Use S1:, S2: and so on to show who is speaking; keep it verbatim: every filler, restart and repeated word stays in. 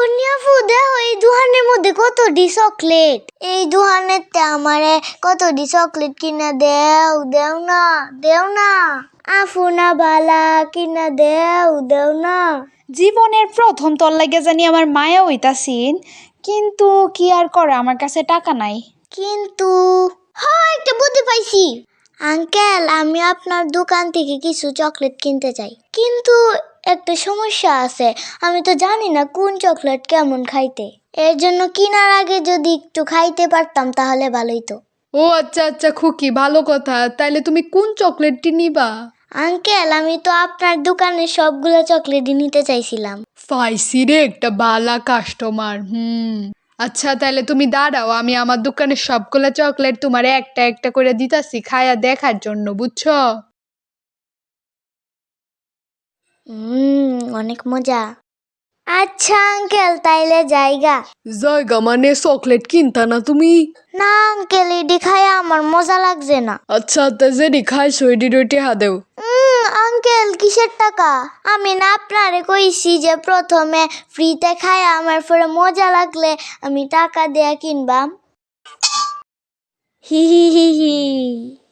S1: ফুনিয়াফু দেখো এই দোকানের মধ্যে কতটি চকলেট। এই দোকানেতে আমারে কতটি চকলেট কিনা দেও দেও না দেও না আফুনা বালা কিনা দেও দেও না।
S2: জীবনের প্রথম তোর লাগে জানি আমার মায়া হইতাছিন, কিন্তু কি আর করে, আমার কাছে টাকা নাই।
S1: কিন্তু হ্যাঁ একটা বুদ্ধি পাইছি আঙ্কেল, আমি আপনার দোকান থেকে কিছু চকলেট কিনতে চাই, কিন্তু একটা সমস্যা আছে, আমি তো জানি না কোন চকলেট কেমন খাইতে। এর জন্য কেনার আগে যদি একটু খাইতে পারতাম তাহলে ভালোই তো।
S3: ও আচ্ছা আচ্ছা খুকি, ভালো কথা। তাইলে তুমি কোন চকলেটটি নিবা?
S1: আঙ্কেল, আমি তো আপনার দোকানের সবগুলো চকলেটই নিতে চাইছিলাম।
S3: পাইছি রে একটা বালা কাস্টমার। হুম আচ্ছা, তাহলে তুমি দাঁড়াও, আমি আমার দোকানের সবগুলা চকলেট তোমার একটা একটা করে দিতাছি খায়া দেখার জন্য, বুঝছো?
S1: হুম অনেক মজা। আচ্ছা আঙ্কেল, তাইলে জায়গা
S3: জায়গা মানে চকলেট কিনতা না তুমি?
S1: না আঙ্কেল, এডি খায়া আমার মজা লাগছে না।
S3: আচ্ছা তা যেটি খাইছো এটি রুটি হা দেও।
S1: উম, আঙ্কেল কিসের টাকা? আমি না আপনারে কইছি যে প্রথমে ফ্রিতে খায়া আমার পরে মজা লাগলে আমি টাকা দেয়া কিনবাম। হি হি হি হি।